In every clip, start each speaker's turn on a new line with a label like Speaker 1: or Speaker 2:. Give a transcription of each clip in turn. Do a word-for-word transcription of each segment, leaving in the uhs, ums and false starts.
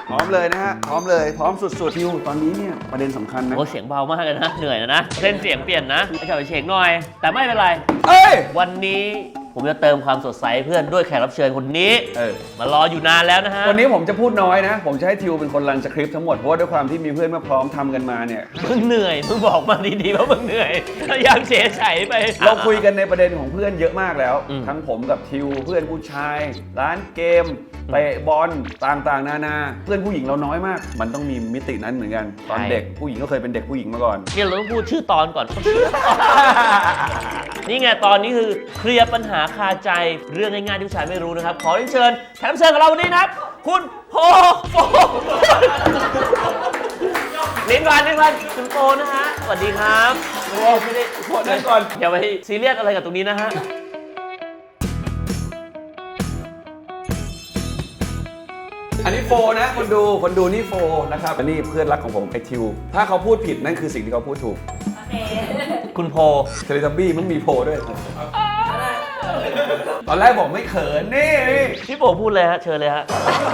Speaker 1: พร้อมเลยนะฮะพร้อมเลยพร้อมสุดๆทิวตอนนี้เนี่ยประเด็นสำคัญนะ
Speaker 2: โอ้เสียงเบามากเลยนะเหนื่อยนะนะเส้นเสียงเปลี่ยนนะไอ้เฉยเฉงหน่อยแต่ไม่เป็นไร
Speaker 1: เอ้ย
Speaker 2: วันนี้ผมจะเติมความสดใสเพื่อนด้วยแขกรับเชิญคนนี้
Speaker 1: เออ
Speaker 2: มารออยู่นานแล้วนะฮะ
Speaker 1: วันนี้ผมจะพูดน้อยนะ ผมจะให้ทิวเป็นคนรันสคริปต์ทั้งหมดเพราะว่าด้วยความที่มีเพื่อนมาพร้อมทำกันมาเนี่ย
Speaker 2: มึงเหนื่อยมึงบอกมาดีๆว่ามึงเหนื่อยยังเฉยเฉยไป
Speaker 1: เราคุยกันในประเด็นของเพื่อนเยอะมากแล้ว
Speaker 2: อืม
Speaker 1: ทั้งผมกับทิวเพื่อนผู้ชาย ร้านเกมเตะบอลต่างๆ นานาเพื่อนผู้หญิงเราน้อยมาก มันต้องมีมิตินั้นเหมือนกันตอนเด็กผู้หญิงก็เคยเป็นเด็กผู้หญิงมาก่อน
Speaker 2: เนี่ยเราต้องพูดชื่อตอนก่อน นี่ไงตอนนี้คือเคลียร์ปัญหาคาใจเรื่องง่ายๆที่ผู้ชายไม่รู้นะครับ ขอเรียนเชิญแขกรับเชิญของเราวันนี้นะครับ คุณโพโฟลิ้นก่อนลิ้นก่อนคุณโฟนะฮะสวัสดีครับโอ้ไม่ได้
Speaker 1: โทษนะก่อน
Speaker 2: อย่าไปซีเรียสอะไรกับตรงนี้นะฮะ
Speaker 1: อันนี้โฟนะคนดูคนดูนี่โฟนะครับอันนี้เพื่อนรักของผมไอทิวถ้าเขาพูดผิดนั่นคือสิ่งที่เขาพูดถูก
Speaker 2: คุณโพ
Speaker 1: เทเลทับบี้มันมีโพด้วยตอนแรกบอกไม่เขินนี่
Speaker 2: พี่โพพูดเลยฮะเชิญเลยฮะ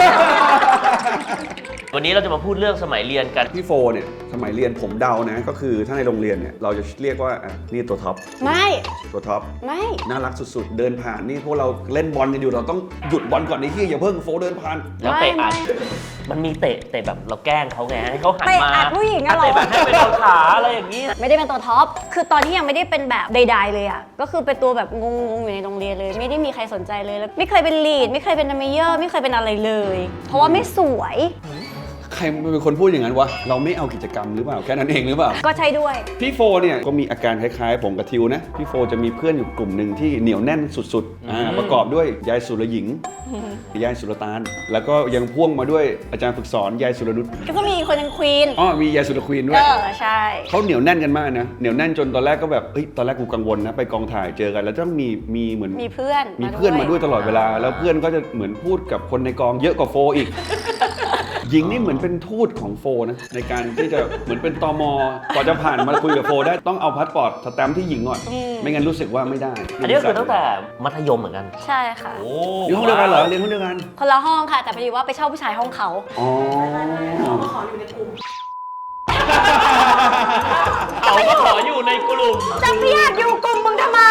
Speaker 2: วันนี้เราจะมาพูดเรื่องสมัยเรียนกัน
Speaker 1: พี่โฟเนี่ยสมัยเรียนผมเดานะก็คือถ้าในโรงเรียนเนี่ยเราจะเรียกว่าอ่ะนี่ตัวท็อป
Speaker 3: ไม่
Speaker 1: ตัวท็อป
Speaker 3: ไม่
Speaker 1: น่ารักสุดๆ เดินผ่านนี่พวกเราเล่นบอลกันอยู่เราต้องหยุดบอลก่อนในที่อย่าเพิ่งโฟเดินผ่าน
Speaker 2: แล้วเตะอัด
Speaker 3: ไม่
Speaker 2: มันมีเตะเตะแบบเราแกล้งเขาไงให้เขาหัน
Speaker 3: เตะ
Speaker 2: มา
Speaker 3: อัดผู้หญิงอะเหรอ
Speaker 2: เตะแบบให้ไปโดนขาอะไรอย่างนี้
Speaker 3: ไม่ได้เป็นตัวท็อป คือตอนที่ยังไม่ได้เป็นแบบใดๆเลยอ่ะ ก็คือเป็นตัวแบบงงๆอยู่ในโรงเรียนเลย ไม่ได้มีใครสนใจเลยแล้วไม่เคยเป็นลีด ไม่เคยเป็นดัมเมเยอร์ ไม่เคยเป็นอะไรเลย เพราะว่าไม่สวย
Speaker 1: ใครเป็นคนพูดอย่างนั้นวะเราไม่เอากิจกรรมหรือเปล่าแค่นั้นเองหรือเปล่า
Speaker 3: ก็ใช่ด้วย
Speaker 1: พี่โฟเนี่ยก็มีอาการคล้ายๆผมกับทิวนะพี่โฟจะมีเพื่อนอยู่กลุ่มหนึ่งที่เหนียวแน่นสุดๆอ่าประกอบด้วยยายสุรหญิงยายสุรตาลแล้วก็ยังพ่วงมาด้วยอาจารย์ฝึกสอนยายสุรนุช
Speaker 3: ก็จะมีคนนึงควีน
Speaker 1: อ๋อมียายสุรควีนด้ว
Speaker 3: เอย อ ใช่
Speaker 1: เขาเหนียวแน่นกันมากนะเหนียวแน่นจนตอนแรกก็แบบเฮ้ยตอนแรกกูกังวลนะไปกองถ่ายเจอกันแล้วต้องมีมีเหมือน
Speaker 3: มีเพื่อน
Speaker 1: มีเพื่อนมาด้วยตลอดเวลา แล้วเพื่อนก็จะเหมือนพูดกับคนในกองเยอะกว่าโฟอีก หญิงนี่เหมือนเป็นทูตของโฟนะในการที่จะเหมือนเป็นตมก่อนจะผ่านมาคุยกับโฟได้ต้องเอาพาสปอร์ตสแตมป์ที่หญิงก่อน
Speaker 3: อืม
Speaker 1: ไม่งั้นรู้สึกว่าไม่ได้
Speaker 2: อันนี้ก็คือตั้งแต่มัธยมเหมือนกัน
Speaker 3: ใช่ค่ะ
Speaker 2: โอ้
Speaker 1: เรียนห้องเดียวกันเหรอเรียนห้องเดียวกัน
Speaker 3: คนละห้องค่ะ แต่พอดีว่าไปเช่าผู้ชายห้องเขา
Speaker 1: อ๋อ
Speaker 2: เขาก็ขออยู่ในกลุ่ม
Speaker 3: จะไม่อยากอยู่กลุ่มมึงทำไม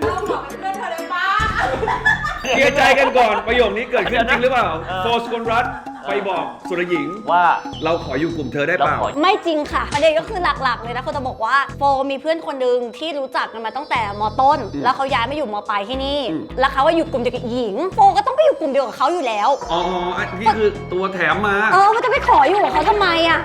Speaker 1: เคลียร์ใจกันก่อนประโยคนี้เกิดขึ้นจริงหรือเปล่าโฟสกลรัฐไปบอกสุรหญิง
Speaker 2: ว่า
Speaker 1: เราขออยู่กลุ่มเธอได้เปล่า
Speaker 2: เราขอ
Speaker 3: ไม่จริงค่ะประเด็นก็คือหลักๆเลยนะเขาจะบอกว่าโฟมีเพื่อนคนหนึ่งที่รู้จักกันมาตั้งแต่มต้น
Speaker 1: อืม
Speaker 3: แล้วเขาย้ายมาอยู่มปลายที่นี่
Speaker 1: อืม
Speaker 3: แล้วเขาว่าอยู่กลุ่มเดียวกับหญิงโฟก็ต้องไปอยู่กลุ่มเดียวกับเขาอยู่แล้ว
Speaker 1: อ๋ออันนี้คือตัวแถมมา
Speaker 3: เออมันจะไปขออยู่กับเขาทำไมอ่ะ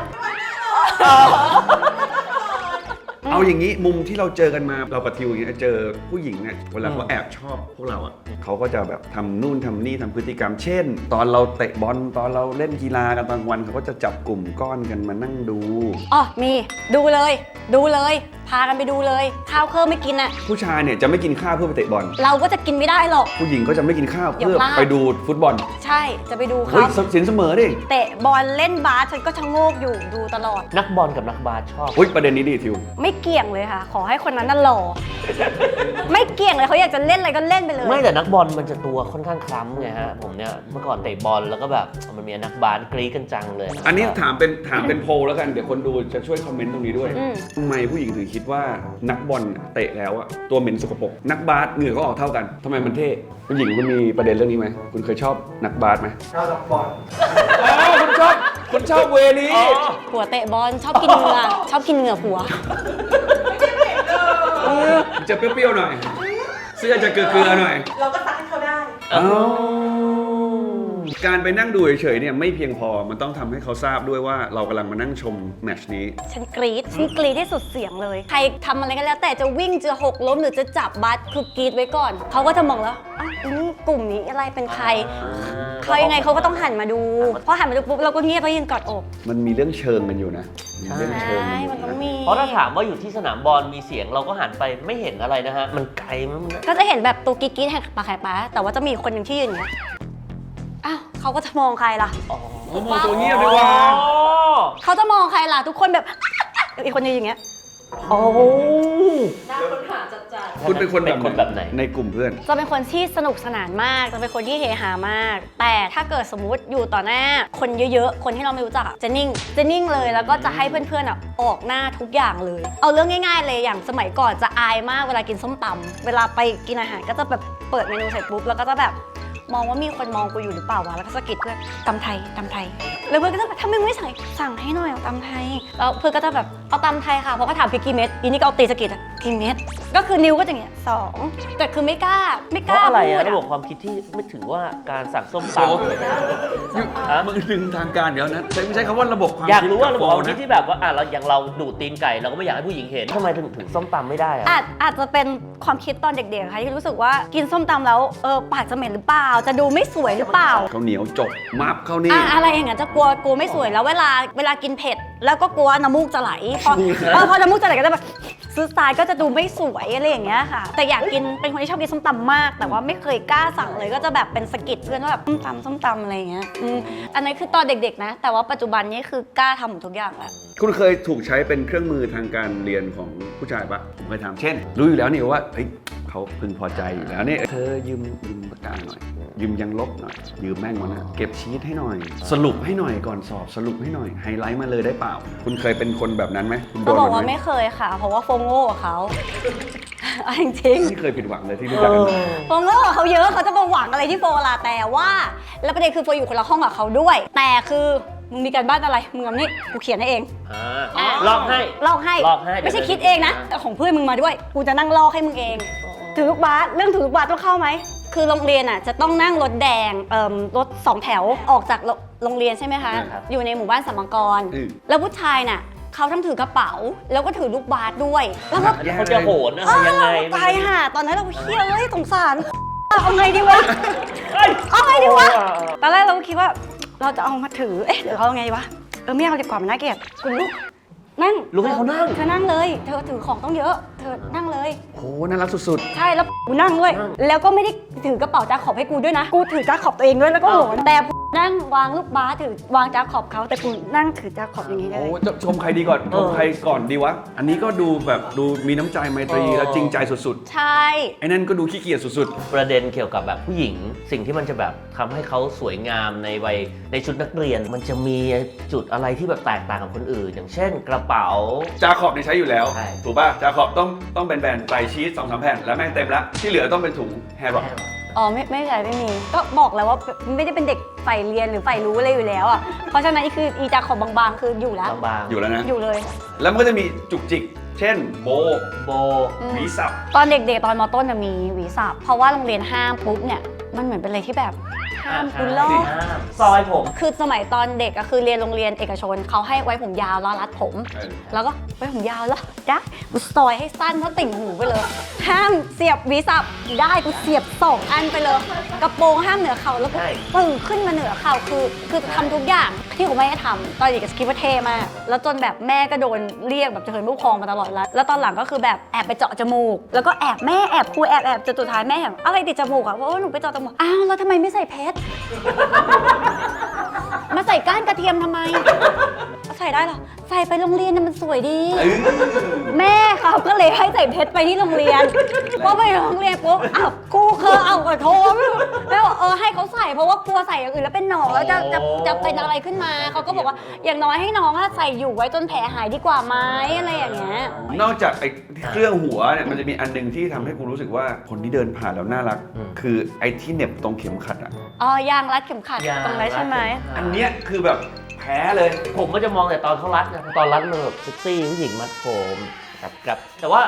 Speaker 1: เอาอย่างนี้มุมที่เราเจอกันมาเรากับทิวอย่างเงี้ยเจอผู้หญิงเนี่ยเวลาเขาแอบชอบพวกเราอ่ะเขาก็จะแบบทำนู่นทำนี่ทำพฤติกรรม เช่น ตอนเราเตะบอลตอนเราเล่นกีฬากันตอนกลางวันเขาก็จะจับกลุ่มก้อนกันมานั่งดู
Speaker 3: อ๋อมีดูเลย ดูเลย พากันไปดูเลยข้าวเพิ่มไม่กินอ่ะ
Speaker 1: ผู้ชายเนี่ยจะไม่กินข้าวเพื่อไปเตะบอล
Speaker 3: เราก็จะกินไม่ได้หรอก
Speaker 1: ผู้หญิงก็จะไม่กินข้าว
Speaker 3: อย่า
Speaker 1: เพื่อ
Speaker 3: พลาด
Speaker 1: ไปดูฟุตบอล
Speaker 3: ใช่จะไปดู
Speaker 1: เฮ้ย
Speaker 3: เขา
Speaker 1: สินเสมอดิ
Speaker 3: เตะบอลเล่นบาสฉันก็ชะโงกอยู่ดูตลอด
Speaker 2: นักบอลกับนักบาสชอบ
Speaker 1: อุ้ยประเด็นนี้ดีทิว
Speaker 3: ไม่เกี่ยงเลยค่ะ ขอให้คนนั้นน่ะหล่อ ไม่เกี่ยงเลยเขาอยากจะเล่นอะไรก็เล่นไปเลย
Speaker 2: ไม่แต่นักบอลมันจะตัวค่อนข้างคล้ำไงฮะผมเนี่ยเมื่อก่อนเตะบอลแล้วก็แบบมันมีนักบาสกรี๊ดกันจังเลย
Speaker 1: อันนี้ถามเป็นถามเป็นโพลแล้วกันเดี๋ยวคนดูจะช่วยคอมเมนต์ตรงนี้ด้วย
Speaker 3: อืม
Speaker 1: ทำไมผู้หญิงถึงคิดว่านักบอลเตะแล้วอะตัวเหม็นสกปรกนักบาสเหงื่อก็ออกเท่ากันทำไมมันเท่ผู้หญิงคุณมีประเด็นเรื่องนี้ไหมคุณเคยชอบนักบาสไหมชอบนักบอลอ๋อคุณชอบคุณชอบเวนี้
Speaker 3: ผัวเตะบอลชอบกินเหงื่อ ชอบกินเหงื่อผัว
Speaker 1: จะเปรี้ยวๆหน่อย เสื้อจะเกลือๆหน่อย
Speaker 4: เราก็ซักให้เขาได้
Speaker 1: อ้าวการไปนั่งดูเฉยๆเนี่ยไม่เพียงพอมันต้องทำให้เขาทราบด้วยว่าเรากำลังมานั่งชมแมตช์นี้
Speaker 3: ฉันกรี๊ดฉันกรี๊ดที่สุดเสียงเลย ใครทำอะไรก็แล้วแต่จะวิ่งจะหกล้มหรือจะจับบัสคือกรี๊ดไว้ก่อน เขาก็จะมองแล้วอ้าวนี่กลุ่มนี้อะไรเป็นใคร เขายังไงเขาก็ต้องหันมาดู พอหันมาดูปุ๊บเราก็เงียบแล้วยืนกอดอก
Speaker 1: มันมีเรื่องเชิงกันอยู่นะมีเรื่อง
Speaker 3: ใช
Speaker 1: เชิง่ กันอยู่
Speaker 3: มันต้อง
Speaker 1: นะ
Speaker 3: มี
Speaker 2: เพราะถ้าถามว่าอยู่ที่สนามบอลมีเสียงเราก็หันไปไม่เห็นอะไรนะฮะ มันไกลมัน
Speaker 3: ก็จะเห็นแบบตัวกรี๊ดๆแหกปากแหกปากแต่ว่าจะมีคนหนึ่งที่ยืนอย่างเงี้ยอ้าวเขาก็จะมองใครล่ะ
Speaker 2: อ๋อ
Speaker 1: โอ้โหตัวเงียบดีกว่า
Speaker 3: เขาจะมองใครล่ะทุกคนแบบ อีกคนนึงอย่างเงี้ย
Speaker 2: โอ้
Speaker 4: น่าค้นหาจัดจัด
Speaker 1: คุณเป็นคน
Speaker 2: เป็นคนแบบไหน
Speaker 1: ในกลุ่มเพื่อน
Speaker 3: จะเป็นคนที่สนุกสนานมาก จะเป็นคนที่เฮฮามาก แต่ถ้าเกิดสมมุติอยู่ต่อหน้าคนเยอะๆ คนที่เราไม่รู้จักอะจะนิ่ง จะนิ่งเลย แล้วก็จะให้เพื่อนๆอะออกหน้าทุกอย่างเลย เอาเรื่องง่ายๆเลย อย่างสมัยก่อนจะอายมากเวลากินส้มตำเวลาไปกินอาหารก็จะแบบเปิดเมนูเสร็จปุ๊บแล้วก็จะแบบมองว่ามีคนมองกูอยู่หรือเปล่าวะ แล้วก็สะกิดเพื่อนตำไทยตำไทย แล้วเพื่อนก็จะแบบทำไมไม่สั่งสั่งให้หน่อยเอาตำไทย แล้วเพื่อนก็จะแบบเอาตำไทยค่ะ เพราะก็ถามพี่กี่เม็ดอีนี่ก็เอาตีสะกิดอะกี่เม็ด ก็คือนิ้วก็จะอย่างเงี้ยสองแต่คือไม่กล้าไม่
Speaker 2: เพ
Speaker 3: กล้า
Speaker 2: ราะอะไร
Speaker 3: พู
Speaker 2: อะ
Speaker 3: ด
Speaker 2: ระบบ
Speaker 3: อะ
Speaker 2: ความคิดที่ไม่ถือว่าการสั่งส้ม
Speaker 1: โอ้
Speaker 2: ตำ
Speaker 1: ยุมึงดึงทางการเดี๋ยวนะใช้ไม่ใช้คำว่าระบบความ
Speaker 2: อยาก
Speaker 1: คิด
Speaker 2: รู้ว่าระบบความคิด
Speaker 1: นะ
Speaker 2: ที่แบบว่าอ่ะเราอย่างเราดูดตีนไก่เราก็ไม่อยากให้ผู้หญิงเห็นทำไมถึงถึงส้มตำไม่ได้อะ
Speaker 3: อาจอาจจะเป็นความคิดตอนเด็กๆค่ะที่รู้สึกว่ากินส้มตำแล้วเออปากจะเหม็นหรือเปล่า จะดูไม่สวยหรือเปล่า
Speaker 1: ข้าวเหนียวจบมับเข้านี่
Speaker 3: อ่ะอะไรอย่างเงี้ยจะกลัวกลัวไม่สวยแล้วเวลาเวลากินเผ็ด แล้วก็กลัวน้ำมูกจะไหลพอเออพอน้ำมูกจะไหลก็จะแบบซื้อสไตล์ก็จะดูไม่สวยอะไรอย่างเงี้ยค่ะ แต่อยากกินเป็นคนที่ชอบกินส้มตำมาก แต่ว่าไม่เคยกล้าสั่งเลยก็จะแบบเป็นสะกิดเพื่อนว่าแบบส้มตำส้มตำอะไรอย่างเงี้ยอืมอันนั้นคือตอนเด็กๆนะ แต่ว่าปัจจุบันนี้คือกล้าทำหมดทุกอย่างแล้ว
Speaker 1: คุณเคยถูกใช้เป็นเครื่องมือทางการเรียนของผู้ชายปะผมเคยทำเช่น รู้อยู่แล้วนี่ว่าเฮ้ยเขาพึงพอใจอยู่แล้วนี่เธอยืมยืมปากกาหน่อย ยืมยังลบหน่อย ยืมแม่งมานะเก็บชีตให้หน่อย สรุปให้หน่อยก่อนสอบสรุปให้หน่อยไฮไลท์มาเลยได้เปล่า คุณเคยเป็นคนแบบนั้นไหมคุณโด
Speaker 3: ก็
Speaker 1: น
Speaker 3: บอก
Speaker 1: แบบ
Speaker 3: ว่า
Speaker 1: ไหม
Speaker 3: ไม่เคยค่ะ เพราะว่าโฟงโง่กับเขา เอาจริงๆ
Speaker 1: ไม่เคยผิดหวังเลยที่รู้จักกัน
Speaker 3: โฟโง่กับเขาเยอะเขาจะมาหวังอะไรที่โฟละแต่ว่า แล้วประเด็นคือโฟอยู่คนละห้องกับเขาด้วย แต่คือมึงมีการบ้านอะไรมึงเอานี่กูเขียนให้เอง
Speaker 2: อ่าลอกให้
Speaker 3: ลอกให้
Speaker 2: ลอกให้
Speaker 3: ไม่ใช่คิดเองนะแต่ของเพื่อนมึงมาด้วย กูจะนั่งลอกให้มึงเอง ถือลูกบาสเรื่องถือลูกบาสต้องเข้าไหมคือโรงเรียนอ่ะจะต้องนั่งรถแดงเอ่อรถสองแถวออกจากโรงเรียนใช่ไหมคะ
Speaker 2: ครับ
Speaker 3: อยู่ในหมู่บ้านสัมมังกร
Speaker 1: อืม
Speaker 3: แล้วผู้ชายน่ะเขาทั้งถือกระเป๋า แล้วก็ถือลูกบาสด้วยแล้วก็
Speaker 2: แล้วเขาจะโหนอะไรยังไง
Speaker 3: ตายห่าตอนนั้นเราเฮียเอ้ยสงสาร เอาไงดีวะ
Speaker 2: เอ้ย
Speaker 3: เอาไงดีวะ ตอนแรกเราก็คิดว่าเราจะเอามาถือ เอ๊ะเดี๋ยวเอาไงดีวะ เออไม่เอาดีกว่ามันน่าเกลียดคุณลูกนั่ง
Speaker 2: ลุกให้เขานั่ง
Speaker 3: เธอนั่งเลย เธอถือของต้องเยอะ เธอนั่งเลย
Speaker 1: โหน่ารักสุด
Speaker 3: ใช่แล้วกูนั่งด้วย
Speaker 2: นั่ง
Speaker 3: แล้วก็ไม่ได้ถือกระเป๋าจาขอบให้กูด้วยนะ กูถือจาขอบตัวเองด้วยแล้วก็โหนแต่นั่งวางลูกบาสถือวางจาขอบเขาแต่กูนั่งถือจาขอบอย่างนี้
Speaker 1: ๆ
Speaker 3: เล
Speaker 1: โอ้
Speaker 3: ย
Speaker 1: จะชมใครดีก่อนชมใครก่อนดีวะ อันนี้ก็ดูแบบดูมีน้ำใจไมตรี
Speaker 2: เออ
Speaker 1: และจริงใจสุด
Speaker 3: ใช่
Speaker 1: ๆไอ้นั่นก็ดูขี้เกียจสุด
Speaker 2: ประเด็นเกี่ยวกับแบบผู้หญิง สิ่งที่มันจะแบบทำให้เขาสวยงามในวัยในชุดนักเรียน มันจะมีจุดอะไรที่แบบแตกต่างกับคนอื่น อย่างเช่น กระเป๋า
Speaker 1: ๆจาขอบนี่ใช้อยู่แล้ว
Speaker 2: ใช่
Speaker 1: ถูกป่ะจาขอบต้องต้องแบนๆใส่ชีสสองสามแผ่นแล้วแม่งเต็มละที่เหลือต้องเป็นถุงแฮร์ร็อก
Speaker 3: อ๋อไม่ไม่ใช่ไม่มี ก็บอกแล้วว่าไม่ได้เป็นเด็กใฝ่เรียนหรือใฝ่รู้อะไรอยู่แล้วอ่ะ เพราะฉะนั้นคืออีจาขอบบางๆ คืออยู่แล้ว
Speaker 2: บาง
Speaker 1: อยู่แล้วนะ
Speaker 3: อยู่เลย
Speaker 1: แล้วมันก็จะมีจุกจิก เช่น โบ
Speaker 2: ๆโบ
Speaker 3: อืม
Speaker 1: หวีสับ
Speaker 3: ตอนเด็กๆ ตอนมต้นจะมีหวีสับเพราะว่าโรงเรียนห้ามปุ๊บเนี่ย มันเหมือนเป็นอะไรที่แบบห้ามคุณลอก
Speaker 2: ห้ามซอยผม
Speaker 3: คือสมัยตอนเด็กก็คือเรียนโรงเรียนเอกชนเขาให้ไว้ผมยาวแล้วรัดผม
Speaker 1: เออ
Speaker 3: แล้วก็ไว้ผมยาวแล้วได้กูซอยให้สั้นเท่าติ่งหูไปเลย ห้ามเสียบหวีสับได้กูเสียบสองอันไปเลย กระโปรงห้ามเหนือเข่าแล้วก็
Speaker 2: ใช่
Speaker 3: ปึ่งขึ้นมาเหนือเข่าคือคือทำทุกอย่างที่ผมไม่ให้ทำตอนเด็กก็คิดว่าเท่มากแล้วจนแบบแม่ก็โดนเรียกแบบจะเหินผู้ปกครองมาตลอดแล้วแล้วตอนหลังก็คือแบบแอบไปเจาะจมูก แล้วก็แอบแม่แอบครูแอบแอบจนสุดท้ายแม่เห็นอะไรติดจมูกอะเพราะว่าหนูไปเจาะจมูกอ้าวแล้วทำไมไม่ใส่เพชร มาใส่ก้านกระเทียมทำไม ใส่ได้เหรอ ใส่ไปโรงเรียนน่ะมันสวยดี แม่เขาก็เลยให้ใส่เพชรไปที่โรงเรียนพอไปโรงเรียนปุ๊บอ้าวครูเคยเอาขอโทษแล้วบอกเออให้เขาใส่เพราะว่ากลัวใส่อย่างอื่นแล้วเป็นหนองแล้วจะจะจะเป็นอะไรขึ้นมาเขาก็บอกว่าอย่างน้อยให้น้องอะใส่อยู่ไว้จนแผลหายดีกว่าไหมอะไรอย่างเงี้ย
Speaker 1: นอกจากไอ้เครื่องหัวเนี่ยมันจะมีอันหนึงที่ทำให้กูรู้สึกว่าคนที่เดินผ่านแล้วน่ารัก คือไอ้ที่เหน็บตรงเข็มขัดอ่ะ
Speaker 3: อ๋อยางรัดเข็มขัด
Speaker 2: ยาง
Speaker 3: ตรงนั้นใช่ไหม
Speaker 1: อันเนี้ยคือแบบแพ้เลย
Speaker 2: ผมก็จะมองแต่ตอนเขารัดนะตอนรัดมันแบบเซ็กซี่ผู้หญิงมัดผมกับกับแต่ว่า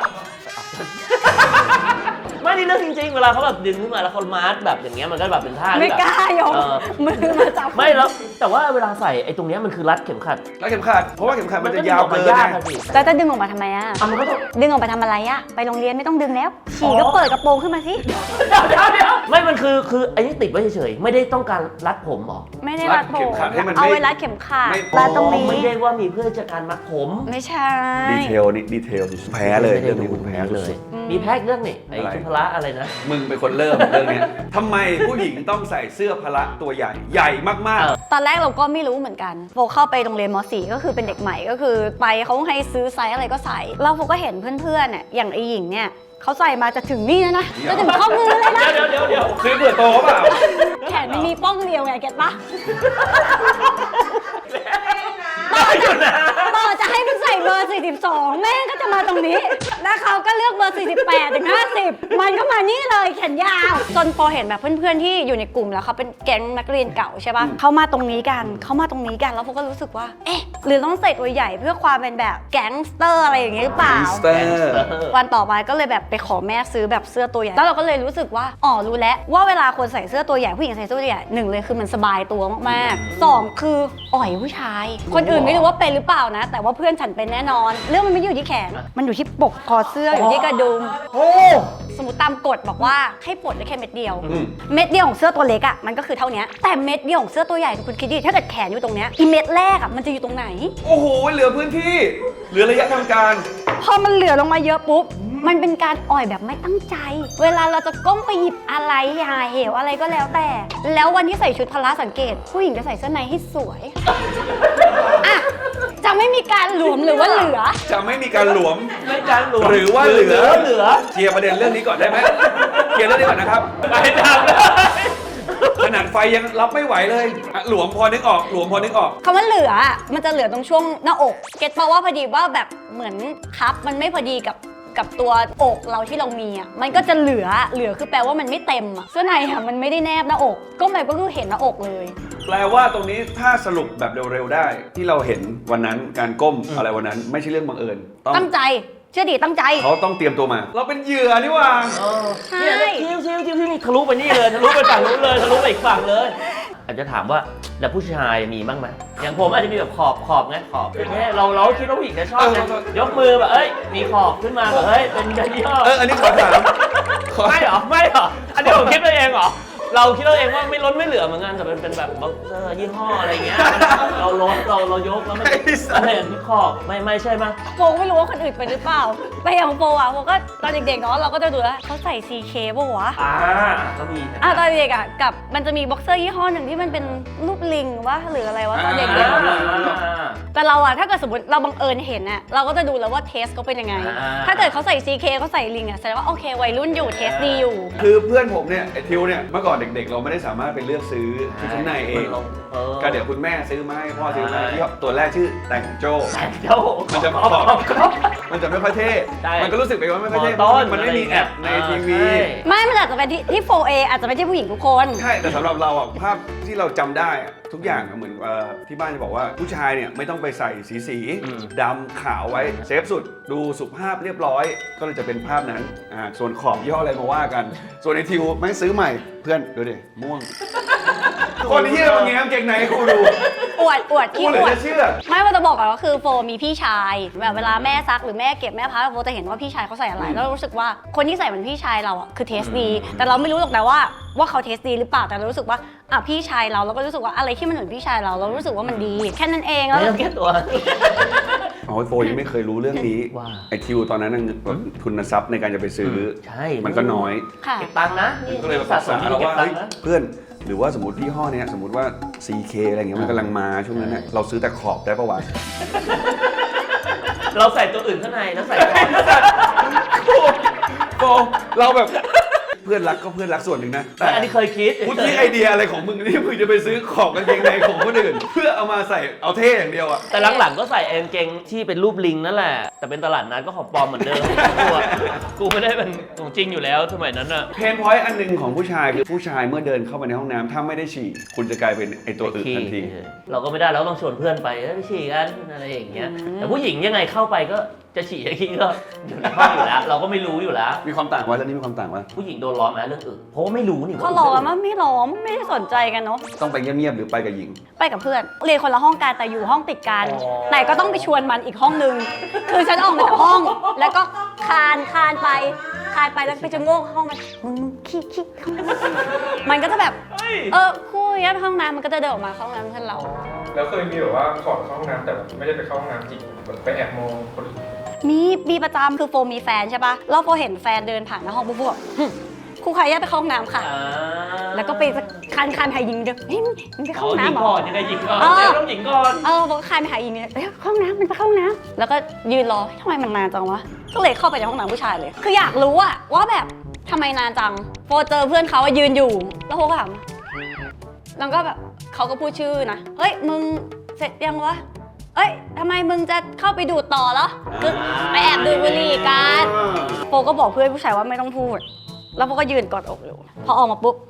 Speaker 2: ไม่นี่เรื่องจริงๆ เวลาเขาแบบดึงขึ้นมาแล้วเขามาร์ทแบบอย่างเงี้ยมันก็แบบเป็นท่าที่
Speaker 3: ไม่
Speaker 2: แบบ
Speaker 3: กล้ายก
Speaker 2: เออ
Speaker 3: มือมาจับ
Speaker 2: ไม่แล้วแต่ว่าเวลาใส่ไอ้ตรงเนี้ยมันคือรัดเข็มขัด
Speaker 1: แล้วเข็มขัด เพราะว่าเข็มขัดมันจะ
Speaker 2: ก็
Speaker 1: ยาว
Speaker 2: ออกมา
Speaker 1: เกิน
Speaker 2: ยาก
Speaker 1: ไง
Speaker 2: อะสิ
Speaker 3: แล้วจะดึงออกมาทำไมอะ
Speaker 2: อ่ะมันก็ต้อง
Speaker 3: ดึงออกไปทำอะไรอะไปโรงเรียนไม่ต้องดึงแล้ว ฉี่ก็เปิดกระโปรงขึ้นมาสิ
Speaker 2: เดี๋ยวเดี๋ยวเดี๋ยวไม่มันคือคือไอ้นี่ติดไว้เฉยๆ ไม่ได้ต้องการรัดผมหรอ
Speaker 3: ไม่ได้รัดผม
Speaker 1: เข็มขัดให้มันไม่
Speaker 3: เอาไว้รัดเข็มขัด
Speaker 1: ไม่
Speaker 3: รัดตรงนี้
Speaker 2: ไม่ได้ว่ามีเพื่อจะการมัดผม
Speaker 3: ไม่ใช่
Speaker 1: ดีเทลนี่ดีเทลแพ้เลยเรื่องนี้คุณแพ้
Speaker 2: เล
Speaker 1: สุ
Speaker 2: ย
Speaker 1: ด
Speaker 3: อืม
Speaker 2: มีแพ็กเรื่องนี่ไอ้
Speaker 1: อะไร
Speaker 2: ชุดพละอะไรนะ
Speaker 1: มึงเป็นคนเริ่มเรื่องเนี้ยทำไมผู้หญิงต้องใส่เสื้อพละตัวใหญ่ใหญ่มาก
Speaker 2: เออ
Speaker 3: ตอนแรกเราก็ไม่รู้เหมือนกันโฟเข้าไปโรงเรียนม .สี่ ก็คือเป็นเด็กใหม่ก็คือไปเขาให้ซื้อไซส์อะไรก็ใส่แล้วโฟก็เห็นเพื่อนๆเนี่ยอย่างไอหญิงเนี่ยเขาใส่มาจะถึงนี่แล้วนะจะถึงข้อมือเลยนะ
Speaker 2: เดี๋ยวเดี๋ยวเดี๋ยว
Speaker 1: ๆซื้อเผื่อโตเปล่า
Speaker 3: แขนมันมีป้องเดียวไงเก็ตปะ
Speaker 2: ได้อยู่นะ
Speaker 3: ต่อจะให้มันใส่เบอร์ สี่สิบสอง แม่งก็จะมาตรงนี้ แล้วเขาก็เลือกเบอร์ สี่สิบแปด ถึง ห้าสิบ มันก็มานี่เลยแขนยาว จนพอเห็นแบบเพื่อนๆที่อยู่ในกลุ่มแล้วเขาเป็นแก๊งนักเรียนเก่าใช่ปะเขามาตรงนี้กันเขามาตรงนี้กันแล้วพวกก็รู้สึกว่า เอ๊ะ หรือต้องใส่ตัวใหญ่เพื่อความเป็นแบบแก๊งสเตอร์อะไรอย่างเงี้ยหรือเปล่า
Speaker 1: สเตอร์
Speaker 3: วันต่อมาก็เลยแบบไปขอแม่ซื้อแบบเสื้อตัวใหญ่ แล้วเราก็เลยรู้สึกว่า อ๋อ รู้แล้วว่าเวลาคนใส่เสื้อตัวใหญ่ผู้หญิงใส่เสื้อตัวใหญ่หนึ่งเลยคือมันสบายตัวมากๆสองคืออ่อยผู้ชาย คนอื่นไม่รู้ว่าเป็นหรือเปล่านะ แต่ว่าเพื่อนฉันเป็นแน่นอน เรื่องมันไม่ได้อยู่ที่แขน มันอยู่ที่ปกคอเสื้ออยู่ที่กระดุม
Speaker 2: โอ้
Speaker 3: สมมติตามกฎบอกว่าให้ปลดได้แค่เม็ดเดียว
Speaker 1: อืม
Speaker 3: เม็ดเดียวของเสื้อตัวเล็กอ่ะมันก็คือเท่านี้แต่เม็ดเดียวของเสื้อตัวใหญ่คุณคิดดิถ้าเกิดแขนอยู่ตรงเนี้ยอีเม็ดแรกอ่ะมันจะอยู่ตรงไหน
Speaker 1: โอ้โห เหลือพื้นที่ เหลือระยะทำการ
Speaker 3: พอมันเหลือลงมาเยอะปุ๊บ มันเป็นการอ่อยแบบไม่ตั้งใจ เวลาเราจะก้มไปหยิบอะไรหาเหวอะไรก็แล้วแต่ แล้ววันที่ใส่ชุดพละสังเกต ผู้หญิงจะใส่เสื้อในให้สวย อ่ะ จะไม่มีการหลวมหรือว่าเหลือ
Speaker 1: จะไม่มีการหลวม
Speaker 2: ไม่การหลวม
Speaker 1: หรือว่าเหลือ
Speaker 2: เหลือ
Speaker 1: เคลียร์ประเด็นเรื่องนี้ก่อนได้ไหมเคลียร์เรื่องนี้ก่อนนะครับ
Speaker 2: ไปทำเลย
Speaker 1: ขนาดไฟยังรับไม่ไหวเลยอ่ะหลวมพอนึกออก หลวมพอนึกออก
Speaker 3: คำว่าเหลืออ่ะมันจะเหลือตรงช่วงหน้าอก เก็ตเพราะว่าพอดีว่าแบบเหมือนคัพมันไม่พอดีกับกับตัวอกเราที่เรามีอ่ะ มันก็จะเหลือ เหลือคือแปลว่ามันไม่เต็มอ่ะ เสื้อในอ่ะมันไม่ได้แนบหน้าอก ก็หมายก็คือเห็นหน้าอกเลย
Speaker 1: แปลว่าตรงนี้ถ้าสรุปแบบเร็วๆได้ ที่เราเห็นวันนั้นการก้มอะไรวันนั้นไม่ใช่เรื่องบังเอิญต้อง
Speaker 3: ตั้งใจ เชื่อดิตั้งใจ
Speaker 1: เขาต้องเตรียมตัวมา เราเป็นเหยื่อนี่หว่า
Speaker 2: เออ
Speaker 3: ใช่
Speaker 2: เนี่ยแล้วคิ้วคิ้วคิ้วคิ้วทะลุไปนี่เลยทะลุไปฝั่งนู้นเลยทะลุไปอีกฝั่งเลย อาจจะถามว่าแล้วผู้ชายมีบ้างไหมอย่างผมอาจจะมีแบบขอบขอบไงขอบเนี่ยเราเราคิดว่าผู้หญิงจะชอบไง
Speaker 1: เออ
Speaker 2: ยกมือแบบเอ้ยมีขอบขึ้นมาแบบเฮ้ยเป็นยันย่อ
Speaker 1: เอออันนี้ขอถามขอ
Speaker 2: ไม่เหรอไม่เหรออันนี้ผมคิดไปเองเหรอเราคิดเราเองว่าไม่ล้นไม่เหลือเหมือนกันแต่เป็นเป็นแบบบ็อกเซอร์ยี่ห้ออะไรเงี้ยเราลดเราเรายกแล้วมันอะไรมีขอบไม่ไม่ใช่ไหม
Speaker 3: โฟไม่รู้ว่าคนอื่นเป็นหรือเปล่า แต่อย่างโฟอ่ะโฟก็ตอนเด็กๆเนาะเราก็จะดูแล้วเขาใส่ ซี เค ป่ะวะ
Speaker 2: อ่าก็มี
Speaker 3: อ่ะตอนเด็กอ่ะกับมันจะมีบ็อกเซอร์ยี่ห้อหนึ่งที่มันเป็นรูปลิงวะหรืออะไรวะตอนเด็ก
Speaker 1: อ่า
Speaker 3: ๆแต่เราอ่ะถ้าเกิดสมมติเราบังเอิญเห็นอ่ะเราก็จะดูแล้วว่าเทสเขาเป็นยังไง
Speaker 2: อ่า
Speaker 3: ถ้าเกิดเขาใส่ ซี เค เขาใส่ลิงอ่ะแสดงว่าโอเควัยรุ่นอยู่เทสดีอยู่
Speaker 1: คือเพื่อนผมเนี่ยไอทิวเนี่ยเมื่อก่อนเด็กๆ เราไม่ได้สามารถไปเลือกซื้อชุดชั้นในเอง
Speaker 2: เออ
Speaker 1: ก็เดี๋ยวคุณแม่ซื้อมาให้พ่อซื้อมาให้ที่ตัวแรกชื่อแต่งโจ้
Speaker 2: แต่เจ้า
Speaker 1: มันจะ
Speaker 2: ข
Speaker 1: ข
Speaker 2: อ
Speaker 1: อ
Speaker 2: บบ ขอบ
Speaker 1: มันจะไม่ค่อยเท่
Speaker 2: ใช่
Speaker 1: มันก็รู้สึกไปว่าไม่ค่อยเท่
Speaker 2: มอต้น
Speaker 1: มันไม่มีแอปในทีวี
Speaker 2: ใช่
Speaker 3: ไม่มันอาจจะเป็นที่ที่ โฟร์ เอ อาจจะไม่ใช่ผู้หญิงทุกคน
Speaker 1: ใช่ แต่สำหรับเราอ่ะภาพที่เราจำได้อะทุกอย่างอะเหมือนเอ่อที่บ้านจะบอกว่าผู้ชายเนี่ยไม่ต้องไปใส่สีสีๆ
Speaker 2: อืม
Speaker 1: ดำขาวไว้เซฟสุดดูสุภาพเรียบร้อย ก็เลยจะเป็นภาพนั้นอ่าส่วนขอบย่ห้ออะไรมาว่ากัน ส่วนไอทิวไม่งซื้อใหม่เพื่อนดูดิม่วง คนที่มาแง้มเกงในให้กูดู
Speaker 3: อวดอวด
Speaker 1: กู
Speaker 3: ขี้
Speaker 1: เหลื
Speaker 3: อ
Speaker 1: อ
Speaker 3: วด
Speaker 1: จะเชื่อ
Speaker 3: ไม่ว่าจะบอกก่อนว่าคือโฟมีพี่ชายแบบเวลาแม่ซักหรือแม่เก็บแม่พับโฟจะเห็นว่าพี่ชายเขาใส่อะไร
Speaker 1: อืม
Speaker 3: แล้วเรารู้สึกว่าคนที่ใส่เหมือนพี่ชายเราอ่ะคือเทสดี แต่เราไม่รู้หรอกนะว่าว่าเขาเทสดีหรือเปล่าแต่เรารู้สึกว่าอ่ะพี่ชายเราเราก็รู้สึกว่าอะไรที่มันเหมือนพี่ชายเราเรารู้สึกว่ามันดี แค่นั้นเองแล้ว
Speaker 2: ไม่ต้องแก้ตัว
Speaker 1: อ๋อโฟยังไม่เคยรู้เรื่องนี้
Speaker 2: ว่า
Speaker 1: ไอทิวตอนนั้นน่ะแบบทุนทรัพย์ในการจะไปซื้อ
Speaker 2: ใช่
Speaker 1: มันก็น้อย
Speaker 3: ค่ะ
Speaker 2: เก็บตังค์นะนี่
Speaker 1: ก็เลยมาปรึกษาเรา
Speaker 2: เก็บ
Speaker 1: ว่า
Speaker 2: ตัง
Speaker 1: เฮ้ย
Speaker 2: ค์นะ
Speaker 1: เพื่อนหรือว่าสมมติยี่ห้อเนี้ยสมมติว่า ซี เค อะไรเงี้ยมันกำลังมาช่วงนั้นน่ะเราซื้อแต่ขอบได้ปะวะ
Speaker 2: เราใส่ตัวอื่นข้างในแล้วใส่คอ
Speaker 1: โฟเราแบบเพื่อนรักก็เพื่อนรักส่วนหนึ่งนะแต่
Speaker 2: อันนี้เคยคิด
Speaker 1: พุทธิไอเดียอะไรของมึงนี่มึงจะไปซื้อขอบกางเกงในของคนอื่น เพื่อเอามาใส่เอาเท่อย่างเดียวอะ
Speaker 2: แต่หลังๆก็ใส่กางเกงที่เป็นรูปลิงนั่นแหละ แต่เป็นตลาดนัดก็ของปลอมเหมือนเดิมกูอะกูไม่ได้เป็นของจริงอยู่แล้วสมัยนั้นอะ
Speaker 1: เพนพอยต์อันหนึ่งของผู้ชายคือผู้ชายเมื่อเดินเข้าไปในห้องน้ำถ้าไม่ได้ฉี่คุณจะกลายเป็นไอตัวอื่นทันที
Speaker 2: เราก็ไม่ได้เราต้องชวนเพื่อนไปเอ้ยไปฉี่กันอะไรอย่างเงี้ย แต่ผู้หญิงยังไงเข้าไปก็จะฉี่จะขี้ก็อยู่ในห้องอยู่แล้ว เราก็ไม่รู้อยู่แล้ว
Speaker 1: มีความต่างวะเรื่องนี้มีความต่างวะ
Speaker 2: ผู้หญิงโดนล้อมไหมเรื่องอื่นเพราะว่าไม่รู้นี่
Speaker 3: เขาล้อมอะไม่ล้อมไม่ได้สนใจกันเนาะ
Speaker 1: ต้องไปเงียบๆหรือไปกับหญิง
Speaker 3: ไปกับเพื่อนเรียนคนละห้องกันแต่อยู่ห้องติดกันแต่ก็ต้องไปชวนมันอีกห้องนึงคือฉันออกมาจากห้อง แล้วก็คานคานไปคานไปแล้วไปจะโง่เข้าห้องมันมึงมึงขี้ขี้เข้ามามันก็จะแบบ
Speaker 2: เฮ้ย
Speaker 3: เออคู่ยัดห้องน้ำมันก็จะเดินออกมาเข้าห้องน้ำเพื่อนเรา
Speaker 5: แล้วเคยมีแบบว่าขอเข้าห้องน้ำแต่แบบไม่ได้ไปเข้าห้องน้ำจริงแบบไปแอบมองคนอื่น
Speaker 3: มีมีประจำคือโฟมีแฟนใช่ปะแล้วโฟเห็นแฟนเดินผ่านหน้าห้องปุ๊บพวกครูขายยาไปเข้าห้องน้ำค่ะ
Speaker 2: อ่า
Speaker 3: แล้วก็ไปคันคันหายิงเด้อเฮ้ยมึงไปเข้าห้อง
Speaker 2: หญิ
Speaker 3: น้ำ
Speaker 2: ง
Speaker 3: เหร
Speaker 2: ก่
Speaker 3: อ
Speaker 2: อนยังไงหญิงก่อน
Speaker 3: เออ
Speaker 2: เดี๋ยวต้องหญิงก่อน
Speaker 3: เออโฟก็คันไปหายิงเนี่ยเอ้ยเข้าห้องน้ำมันไปเข้าห้องน้ำแล้วก็ยืนรอเฮ้ยทำไมมันนานจังวะก็เลยเข้าไปในห้องน้ำผู้ชายเลย คืออยากรู้อะว่าแบบทำไมนานจังโฟเจอเพื่อนเขาอะยืนอยู่แล้วโฟก็ถามแล้วก็แบบเขาก็พูดชื่อนะเฮ้ยมึงเสร็จยังวะเอ้ยทำไมมึงจะเข้าไปดูดต่อเหรอคือไปแอบดูดบุหรี่กันโฟก็บอกเพื่อนผู้ชายว่าไม่ต้องพูดแล้วโฟก็ยืนกอดอกอยู่พอออกมาปุ๊บ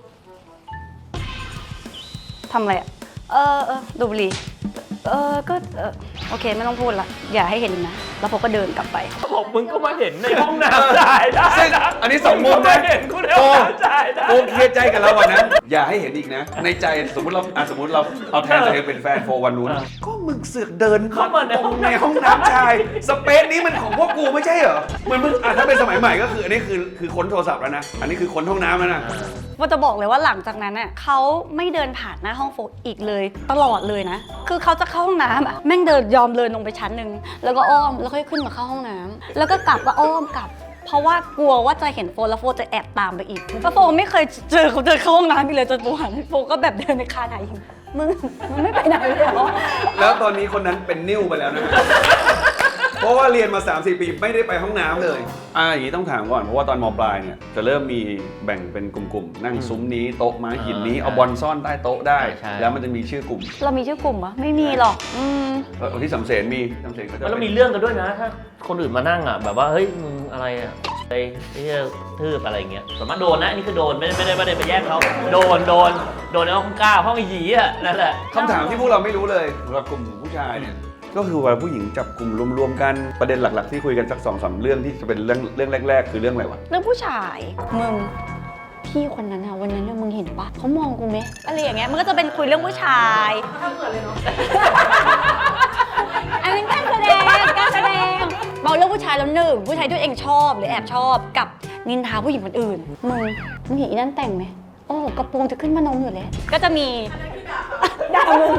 Speaker 3: ทำอะไรอ่ะเออเออดูดบุหรี่เออก็เออโอเคไม่ต้องพูดละอย่าให้เห็นนะแล้วโฟก็เดินกลับไป
Speaker 2: บอกมึงก็มาเห็นในห้องน้ำได้ได้
Speaker 1: ซึ่ง
Speaker 2: นะ
Speaker 1: อันนี้สองมุม
Speaker 2: งก็
Speaker 1: นะ
Speaker 2: มาเห็นกูในห้องน้ำได้ได้
Speaker 1: โอเคใจกับเราวันนั้นอย่าให้เห็นอีกนะ ในใจสมมติเราอ่ะสมมติเราเอาแทนตัวเองเป็นแฟนโฟวันนู้นก็มึงเสือกเดิน
Speaker 2: เข้ามาใน
Speaker 1: ตรงในห้องน้ำชายสเปซนี้มันของพวกกูไม่ใช่เหรอเหมือนมึงอ่ะถ้าเป็นสมัยใหม่ก็คืออันนี้คือคือค้นโทรศัพท์แล้วนะอันนี้คือค้นห้องน้ำแล้วนะ
Speaker 3: ว่าจะบอกเลยว่าหลังจากนั้นน่ะเขาไม่เดินผ่านหน้าห้องโฟอีกเลยตลอดเลยนะ คือเขาจะเข้าห้องน้ำอ่ะแม่งเดินยอมเดินลงไปชั้นหนึ่งแล้วก็อ้อมแล้วค่อยขึ้นมาเข้าห้องน้ำแล้วก็กลับก็อ้อมกลับ เพราะว่ากลัวว่าจะเห็นโฟแล้วโฟจะแอบตามไปอีกแล้วโฟไม่เคยเจอเขาเดินเข้าห้องน้ำอีกเลยจนโฟหันโฟก็แบบเดินในคาไหนมึงมึงไม่ไปไหนเลยเหรอ
Speaker 1: แล้วตอนนี้คนนั้นเป็นนิ่วไปแล้วนะ เพราะว่าเรียนมา สามสี่ ปีไม่ได้ไปห้องน้ำเลยอ่าอย่างนี้ต้องถามก่อนเพราะว่าตอนมปลายเนี่ยจะเริ่มมีแบ่งเป็นกลุ่มๆนั่งซุ้มนี้โต๊ะม้าหินนี้เอาบอลซ่อนใต้โต๊ะได้ แล้วมันจะมีชื่อกลุ่ม
Speaker 3: เรามีชื่อกลุ่มปะไม่มีหรอกอืม
Speaker 1: เออที่สำเสนมีสำเสนก็จะ
Speaker 2: แล้วมีเรื่องกันด้วยนะ ถ้าคนอื่นมานั่งอ่ะแบบว่าเฮ้ยมึงอะไรอ่ะไปไอ้เหี้ยทืบอะไรเงี้ยสามารถโดนนะอันนี้คือโดนไม่ได้ไม่ได้ไม่ได้ไปแย่งเขาโดนโดนโดนในห้องก้าห้องหยีอ่ะนั่นแหละ
Speaker 1: คำถามที่พวกเราไม่รู้เลยสำหรับกลุ่มผู้ชายเนี่ยก็คือเวลาผู้หญิงจับกลุ่มรวมๆกันประเด็นหลักๆที่คุยกันสักสองสามเรื่องที่จะเป็นเรื่องเรื่องแรกๆคือเรื่องอะไรวะ
Speaker 3: เรื่องผู้ชายมึงพี่คนนั้นอะวันนั้นเนี่ยมึงเห็นปะเขามองกูไหมอะไรอย่างเงี้ยมันก็จะเป็นคุยเรื่องผู้ชาย
Speaker 4: ทำเหมือนเลยเนาะ
Speaker 3: อันนั้นการแสดงการแสดงบอกเรื่องผู้ชายแล้วหนึ่งผู้ชายที่ตัวเองชอบหรือแอบชอบกับนินทาผู้หญิงคนอื่นมึงมึงเห็นอีนั่นแต่งไหมโอ้กระโปรงจะขึ้นมานมอยู่แล้วก็จะมีด่ามึง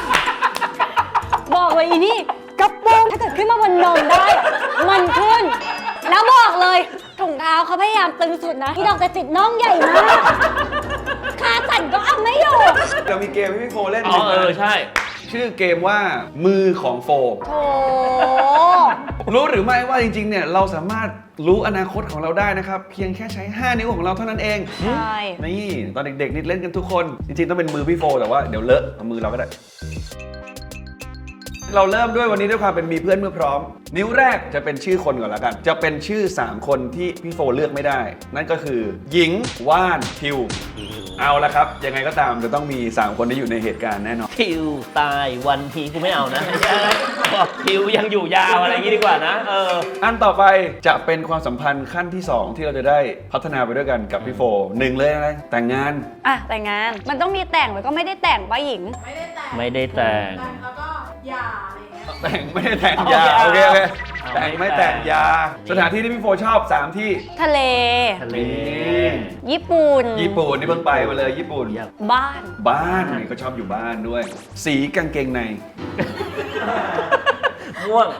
Speaker 3: บอกเลยอีนี่กระโปรงถ้าเกิดขึ้นมาบนนมได้อะมันขึ้น แล้วบอกเลยถุงเท้าเขาพยายามตึงสุดนะที่ดอกจะจิตน้องใหญ่มากขาสั่นก็เอาไม่อยู่
Speaker 1: เรามีเกมให้พี่โฟเล่น
Speaker 2: อ๋อเออใช่
Speaker 1: ชื่อเกมว่ามือของโฟ
Speaker 3: โถ
Speaker 1: รู้หรือไม่ว่าจริงๆเนี่ยเราสามารถรู้อนาคตของเราได้นะครับเพียงแค่ใช้ห้านิ้วของเราเท่านั้นเอง
Speaker 3: ใช่
Speaker 1: นี่ตอนเด็กๆนี่เล่นกันทุกคนจริงๆต้องเป็นมือพี่โฟแต่ว่าเดี๋ยวเลอะเอามือเราก็ได้ เราเริ่มด้วยวันนี้ด้วยความเป็นมีเพื่อนเมื่อพร้อม นิ้วแรกจะเป็นชื่อคนก่อนแล้วกัน จะเป็นชื่อสามคนที่พี่โฟเลือกไม่ได้ นั่นก็คือหญิงว่านทิวเอาละครับยังไงก็ตามจะต้องมีสามคนที่อยู่ในเหตุการณ์แน่นอน
Speaker 2: ทิวตายวันทีกูไม่เอานะบอกทิวยังอยู่ยาวอะไรอย่างงี้ดีกว่านะเออ
Speaker 1: อันต่อไปจะเป็นความสัมพันธ์ขั้นที่สองที่เราจะได้พัฒนาไปด้วยกันกับพี่โฟหนึ่งเลยอะไรแต่งงาน
Speaker 3: อ่ะแต่งงานมันต้องมีแต่งแล้วก็ไม่ได้แต่งป้าหญิง
Speaker 4: ไม่ได้แต่ง
Speaker 2: ไม่ได้แต่ง
Speaker 4: แล้วก็หย่าอะไรอย่างเงี้ย
Speaker 1: แต่งไม่ได้แต่งยา
Speaker 2: โอ
Speaker 1: โอ
Speaker 2: เค
Speaker 1: เคโอเค
Speaker 2: เอา
Speaker 1: แต่งไม่แต่งยา สถานที่ที่พี่โฟชอบสามที่
Speaker 3: ทะเล
Speaker 2: ทะเล
Speaker 3: ญี่ปุ่น
Speaker 1: ญี่ปุ่นนี่เพิ่งไปมาเลยญี่ปุ่น
Speaker 3: บ้าน
Speaker 1: บ้านนี่ก็ชอบอยู่บ้านด้วย สีกางเกงใน
Speaker 2: ม่วง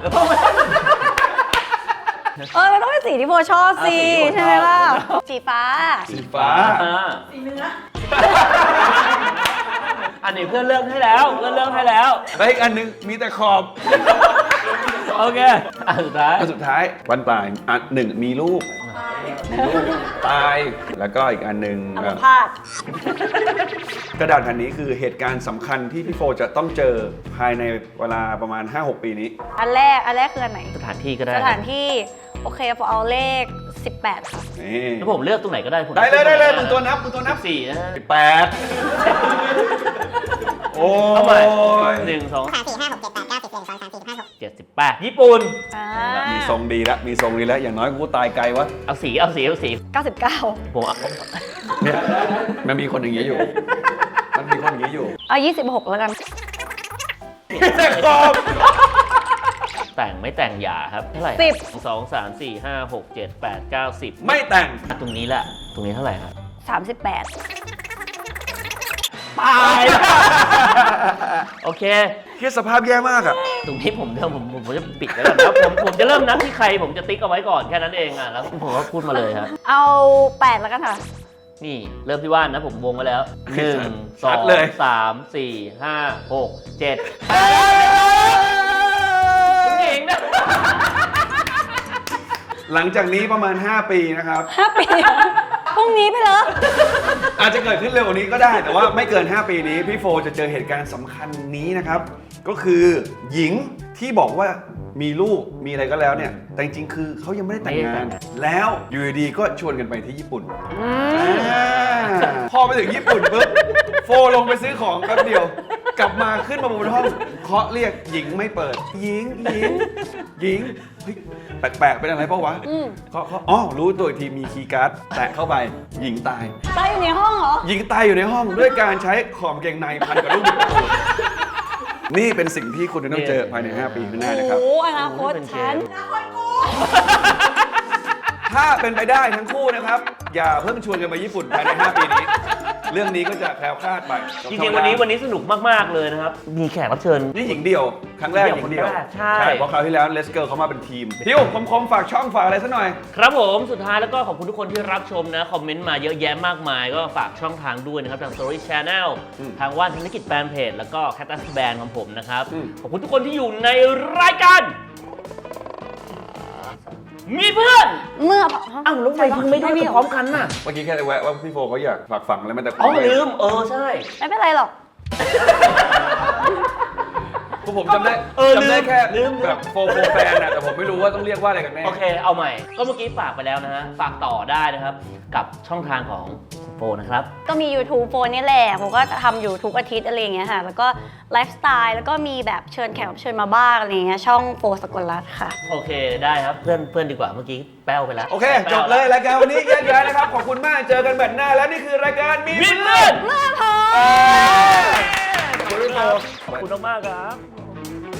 Speaker 3: เออมันต้องเป็นสีที่โบชอบสิ
Speaker 2: อ่ะสีที่โบชอบ
Speaker 3: ใช่ไหมล่ะสีฟ้า
Speaker 1: สีฟ้า
Speaker 2: อ่า
Speaker 4: สีเนื้อ
Speaker 2: อันนี้เพื่อนเลือกให้แล้วเพื่อนเลือกให้แล้ว
Speaker 1: แล้วอีกอันนึงมีแต่ขอบ
Speaker 2: โอเคอันสุดท้าย
Speaker 1: อันสุดท้ายวันปลายอันหนึ่งมีลูก
Speaker 4: ตาย
Speaker 1: มีลูกตาย แล้วก็อีกอันหนึ่ง
Speaker 3: อั
Speaker 1: เอ่
Speaker 3: ม
Speaker 1: อ
Speaker 3: พาต
Speaker 1: กระดาษแผ่นนี้คือเหตุการณ์สำคัญที่พี่โฟจะต้องเจอภายในเวลาประมาณ ห้าหก ปีนี้
Speaker 3: อันแรกอันแรกคืออันไหน
Speaker 2: สถานที่ก็ได้
Speaker 3: สถานที่โอเคพอเอาเลขสิบแปดค่ะ
Speaker 1: นี่
Speaker 2: แล้วผมเลือกตรงไหนก็ได้ผม
Speaker 1: ได้เลยได้เลยมึงตัวนับมึงตัวนับ
Speaker 2: สี่นะ
Speaker 1: สิบแปดโอ้
Speaker 2: เอาใหม่
Speaker 1: ย
Speaker 2: หนึ่งสอง
Speaker 5: สามสี่ห้าหกเจ็ดแปดเก้าสิบเอ็ดสองสามสี่ห้าหก
Speaker 2: เจ็ดสิบแปดญี่ปุ่น
Speaker 3: อ่า
Speaker 1: มีทรงดีแล้วมีทรงดีแล้วอย่างน้อยกูตายไกลวะ
Speaker 2: เอาสีเอาสีเอาสี
Speaker 3: เก้าสิบเก้า
Speaker 2: ผมเอา
Speaker 1: เนี่ยมันมีคนอย่างนี้อยู่ มันมีคนอย่างนี้อยู่
Speaker 3: เอายี่สิบหกแล้วกัน
Speaker 1: แต่ขอบ
Speaker 2: แต่งไม่แต่งหย่าครับเท่าไหร่
Speaker 3: สิบ
Speaker 2: สองสามสี่ห้าหกเจ็ดแปดเก้าสิบ
Speaker 1: ไม่แต่ง
Speaker 2: ตรงนี้แหละตรงนี้เท่าไหร่ครับ
Speaker 3: สามสิบแปด
Speaker 2: ตาย โอเค
Speaker 1: เฮียสภาพแย่มากอ่ะ
Speaker 2: ตรงนี้ผมเริ่มผมผมผมจะปิดแล้วกันนะผมผมจะเริ่มนับที่ใครผมจะติ๊กเอาไว้ก่อนแค่นั้นเองอ่ะแล้วผมก็พูดมาเลยครับ
Speaker 3: เอาแปดแล้วกันค่ะ
Speaker 2: นี่เริ่มที่ว่านนะผมวงไว้แล้วหนึ่งส
Speaker 1: ชั
Speaker 2: อ
Speaker 1: ด
Speaker 2: ง
Speaker 1: เลย
Speaker 2: สามสี่ห้าหกเจ็ดเก่งนะ
Speaker 1: หลังจากนี้ประมาณ ห้า ปีนะครับ
Speaker 3: ห้าปีพรุ่งนี้ไปเหรอ
Speaker 1: อาจจะเกิดขึ้นเร็วกว่านี้ก็ได้ แต่ว่าไม่เกิน ห้า ปีนี้พี่โฟจะเจอเหตุการณ์สำคัญนี้นะครับ ก็คือหญิงที่บอกว่ามีลูกมีอะไรก็แล้วเนี่ย แต่จริงๆคือเขายังไม่ได้แต่งงาน แล้วอยู่ดีๆก็ชวนกันไปที่ญี่ปุ่นอ่าพอไปถึงญี่ปุ่นปุ๊บโฟลงไปซื้อของแป๊บเดียว กลับมาขึ้นมาบนห้องเคาะเรียกหญิงไม่เปิด หญิงหญิงหญิงเฮ้ยแปลกๆเป็นอะไรเปล่าวะ
Speaker 3: อืม
Speaker 1: เคาะเคาะอ๋อรู้ตัวอีกทีมีคีย์การ์ดแตะเข้าไปหญิงตาย
Speaker 3: ตายอยู่ในห้องเหรอ
Speaker 1: หญิงตายอยู่ในห้องด้วยการใช้ขอมเกงในพันกับลูกบิดประตูนี่เป็นสิ่งที่คุณจะต้องเจอภายใน ห้า ปีข้างหน้านะครับ
Speaker 3: โอ้อนาคตฉัน
Speaker 1: ถ้าเป็นไปได้ทั้งคู่นะครับ อย่าเพิ่งชวนกันไปญี่ปุ่นภายใน ห้า ปีนี้ เรื่องนี้ก็จะแคล้วคลาดไป
Speaker 2: จริงๆวันนี้วันนี้สนุกมากๆเลยนะครับ มีแขกรับเชิญ
Speaker 1: นี่หญิงเดียว ครั้งแรกหญิงเดียว
Speaker 2: คนแรกใช่
Speaker 1: เพราะคราวที่แล้วเลสเกิร์เขามาเป็นทีมทิวคมๆฝากช่องฝากอะไรสักหน่อย
Speaker 2: ครับผมสุดท้ายแล้วก็ขอบคุณทุกคนที่รับชมนะ คอมเมนต์มาเยอะแยะมากมาย ก็ฝากช่องทางด้วยนะครับ ทาง Story Channel
Speaker 1: อืม
Speaker 2: ทางว่านธนกิจแฟนเพจแล้วก็ Cactus Band ของผมนะครับ
Speaker 1: อืม
Speaker 2: ขอบคุณทุกคนที่อยู่ในรายการ มีเพื่อน
Speaker 3: เมื่อ
Speaker 2: อ้าวแล้วทำไมถึงไม่ได้กันพร้อมกันน่ะ
Speaker 1: เมื่อกี้แค่แวะว่าพี่โฟเขาอยากฝากฝังอะไรมันแต่
Speaker 2: อ๋อลืม เออใช่
Speaker 3: ไม่เป็นไรหรอก
Speaker 1: พวกผมจำได้
Speaker 2: เออลืม
Speaker 1: จำได้แค่
Speaker 2: ลืม
Speaker 1: แบบโฟโฟแฟนนะแต่ผมไม่รู้ว่าต้องเรียกว่าอะไรกันแน่
Speaker 2: โอเค เอาใหม่ ก็เมื่อกี้ฝากไปแล้วนะฮะ ฝากต่อได้นะครับ กับช่องทางของโฟนะครับ
Speaker 3: ก็มี YouTube โฟนนี่แหละผมก็ทำอยู่ทุกอาทิตย์อะไรอย่างเงี้ยค่ะ แล้วก็ไลฟ์สไตล์ แล้วก็มีแบบเชิญแขกรับเชิญมาบ้างอะไรอย่างเงี้ย ช่องโฟสกลรัตน์ค่ะ
Speaker 2: โอเค ได้ครับ เพื่อนเพื่อนดีกว่า เมื่อกี้แป้วไปแล้ว
Speaker 1: โอเค
Speaker 2: แป้ว
Speaker 1: จบเลยรายการวันนี้แยกย้ายนะครับ ขอบคุณมาก เจอกันแบบหน้า และนี่คือรายการมี
Speaker 2: มี
Speaker 1: เพื่
Speaker 2: เพื่
Speaker 1: อ
Speaker 2: อน น
Speaker 3: เมื่อพอ
Speaker 1: ขอบคุณพี่โฟ
Speaker 2: ขอบคุณมากๆครับ